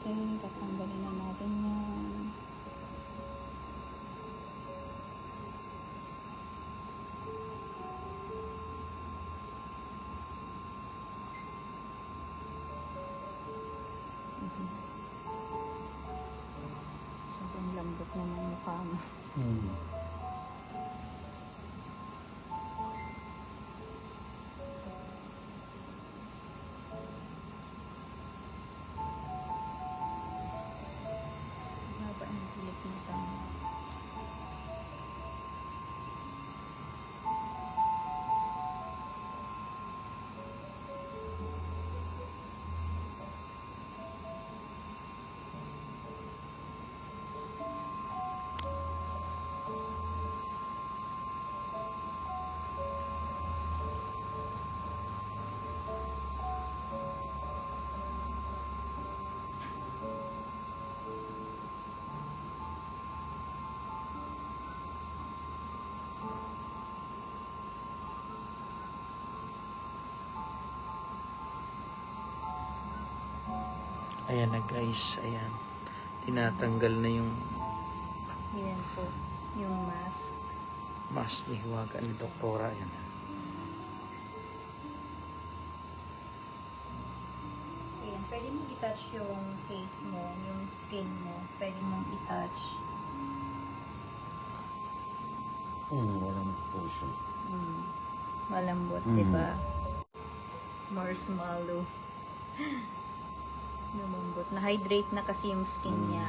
Okay, tatanggalin na natin yan. Sobrang lambot na ng mukha mo. Haba ang pilik ng tama. Ayan na guys, ayan. Tinatanggal na yung Yan po, yung mask. mask ni Hiwaga ni Doktora. Ayan na. Ayan, pwede mo i-touch yung face mo, yung skin mo. Pwede mong i-touch. Walang puso. Malambot, di ba? Marshmallow. Lumambot. Na-hydrate na kasi yung skin niya.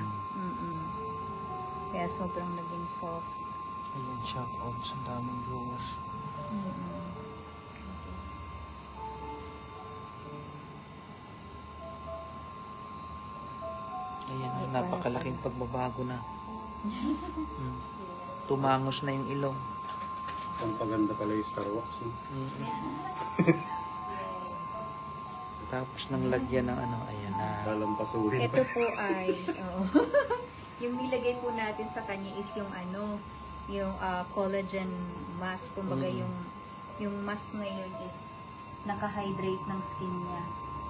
Kaya sobrang naging soft. Ayan, shout out sa daming viewers. Ayan, napakalaking pagbabago na. Tumangos na yung ilong. Ang paganda pala yung Star Wax. Tapos nang lagyan ng ano, ayan na. Lalampasuhin. Ito po ay, yung nilagay po natin sa kanya is yung ano, yung collagen mask. Kumbaga yung mask na yun is naka-hydrate ng skin niya.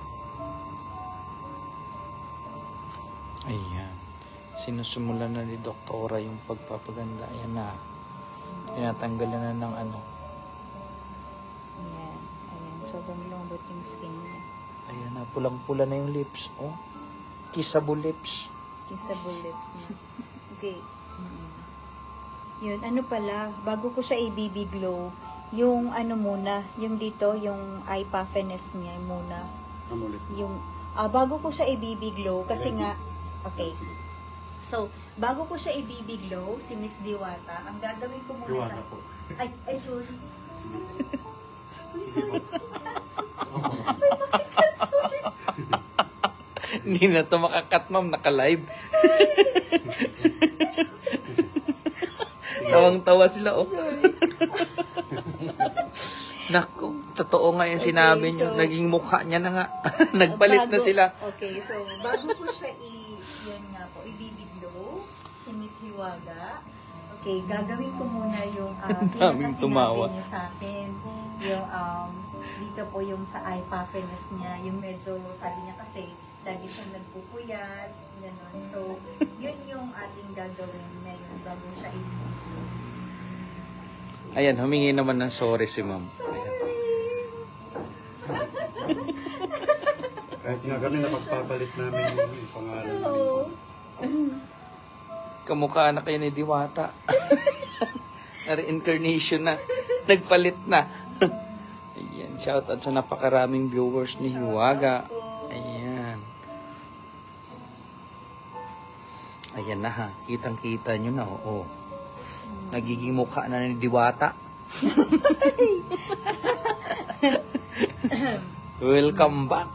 Ayan. Sinusumulan na ni Doktora yung pagpapaganda. Ayan na. Tinatanggalan na ng ano. Ayan. Ayan. Sobrang lambot yung skin niya. Ayan na. Pulang-pula na yung lips. Oh. Kissable lips. Kissable lips niya. Okay. Yun. Ano pala, bago ko siya i-BB glow, yung ano muna, yung dito, yung eye puffiness niya muna. Amulit. Yung, bago ko siya i-BB glow, kasi nga, okay. So, bago ko siya i-BB glow, si Miss Diwata, ang gagawin ko muna Diwata sa... po. Ay, sorry. Hindi na ito makakat, ma'am. Naka-live. Tawang-tawa sila, oh. Naku, totoo nga yung sinabi niyo. so- Naging mukha niya na nga. Nagpalit na sila. Okay, so, bago ko siya yun nga po, i-BB glow, si Miss Hiwaga. Okay, gagawin ko muna yung Daming tumawa. niya sa akin. Yung, dito po yung sa eye puffiness niya, yung medyo, sabi niya kasi, lagi siyang nagpupuyat, gano'n. So, yun yung ating gagawin ngayon bago siya i-BB glow. Ayan, humingi naman ng sorry si ma'am. Kahit nga kami napagpapalit namin yung pangalan namin. Kamukha na kayo ni Diwata. Na-reincarnation na. Nagpalit na. Ayan, shoutout sa napakaraming viewers ni Hiwaga. Ayan. Ayan na ha. Kitang-kita nyo na. Oo. Nagiging mukha na ni Diwata. Welcome back.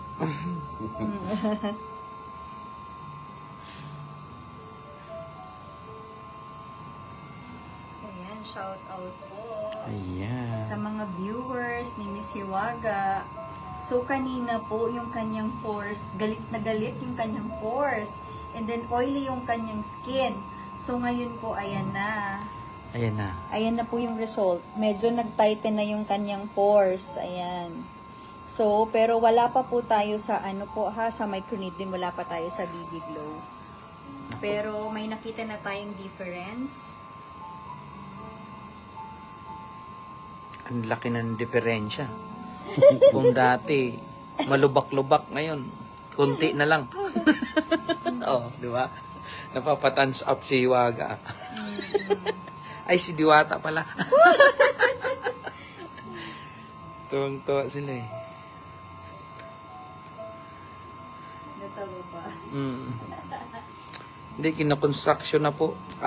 Ayan, shout out po. Ayan. Sa mga viewers ni Miss Hiwaga. So, kanina po, yung kanyang pores, galit na galit yung kanyang pores. And then, oily yung kanyang skin. So, ngayon po, ayan na. Ayan na. Ayan na po yung result. Medyo nag-tighten na yung kanyang pores. Ayan. So, pero wala pa po tayo sa ano po ha, sa microneedling, wala pa tayo sa BB Glow. Pero may nakita na tayong difference. Ang laki ng diferensya. Kung dati, malubak-lubak ngayon. Kunti na lang. Oo, di ba? Napapatans up si Hiwaga. Ay, si Diwata pala. Tuwang-tuwa sila eh. Natawa ba? Hindi, kinakonstruction na po.